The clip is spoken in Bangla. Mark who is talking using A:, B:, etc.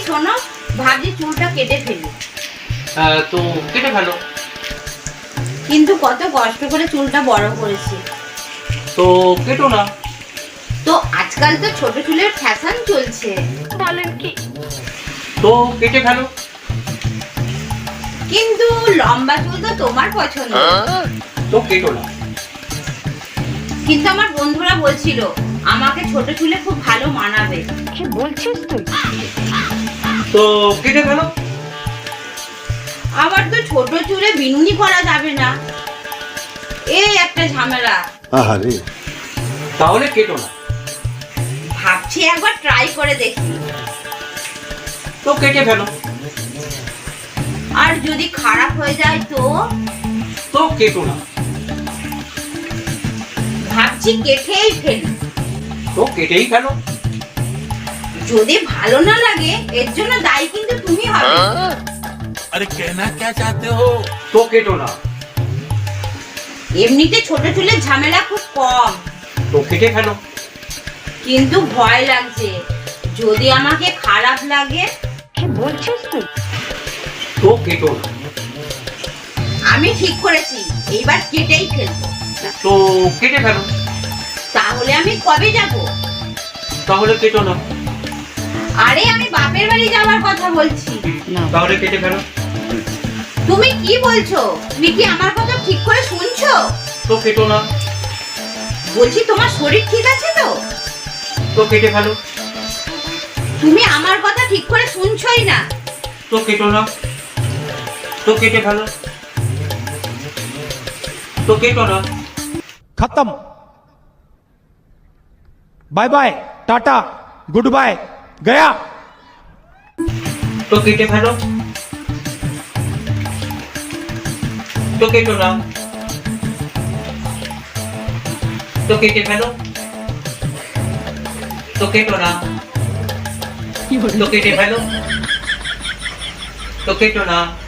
A: শোনো, ভাবছি চুলটা কেটে ফেলি।
B: তো কেটে ফেলো।
A: কিন্তু কত কষ্ট করে চুলটা বড় করেছি।
B: তো কেটো না।
A: তো আজকাল তো ছোট চুলের ফ্যাশন চলছে।
C: বলেন কি?
B: তো কেটে ফেলো।
A: কিন্তু লম্বা চুল তো তোমার পছন্দ।
B: তো কেটো না।
A: কিন্তু আমার বন্ধুরা বলছিল আমাকে ছোট চুলে খুব ভালো মানাবে।
C: কি বলছিস তুই?
B: তো কেটে ফেলো।
A: আবার তো ছোট চুলে বিনুনি করা যাবে না, এই একটা ঝামেলা।
D: আরে
B: তাহলে কেটো না।
A: ভাবছি একবার ট্রাই করে দেখি।
B: তো কেটে ফেলো।
A: আর যদি খারাপ হয়ে যায় তো?
B: তো কেটো না।
A: ভাবছি কেটেই ফেলি।
B: তো কেটেই ফেলো।
A: যদি ভালো না লাগে এর জন্য দায়ী কিন্তু তুমি হবে।
E: अरे कहना क्या चाहते हो?
B: তো কেটো না।
A: এমনিতে ছোট চুলের ঝামেলা খুব কম,
B: তো কেটে ফেলো।
A: কিন্তু ভয় লাগছে যদি আমাকে খারাপ লাগে।
C: কি বলছিস তুই?
B: তো কেটো না।
A: আমি ঠিক করেছি এইবার কেটেই ফেলবো।
B: তো কেটে ফেলো।
A: তাহলে আমি কবে যাব?
B: তাহলে কেটো না।
A: আরে আমি বাপের বাড়ি যাওয়ার কথা বলছি।
B: তাহলে কেটে ফেলো।
A: তুমি কি বলছো? তুমি কি আমার কথা ঠিক করে শুনছো?
B: তো কেটো না।
A: বলছি তোমার শরীর ঠিক আছে তো?
B: তো কেটে ফেলো।
A: তুমি আমার কথা ঠিক করে শুনছোই না।
B: তো কেটো না। তো কেটে ফেলো। তো কেটো না।
F: खत्म। Bye bye, tata, goodbye, गया।
B: তো কেটে ফেলো। তো কেটো না। তো কেটে ফেলো। তো কেটো না। তো কেটে ফেলো। তো কেটো না।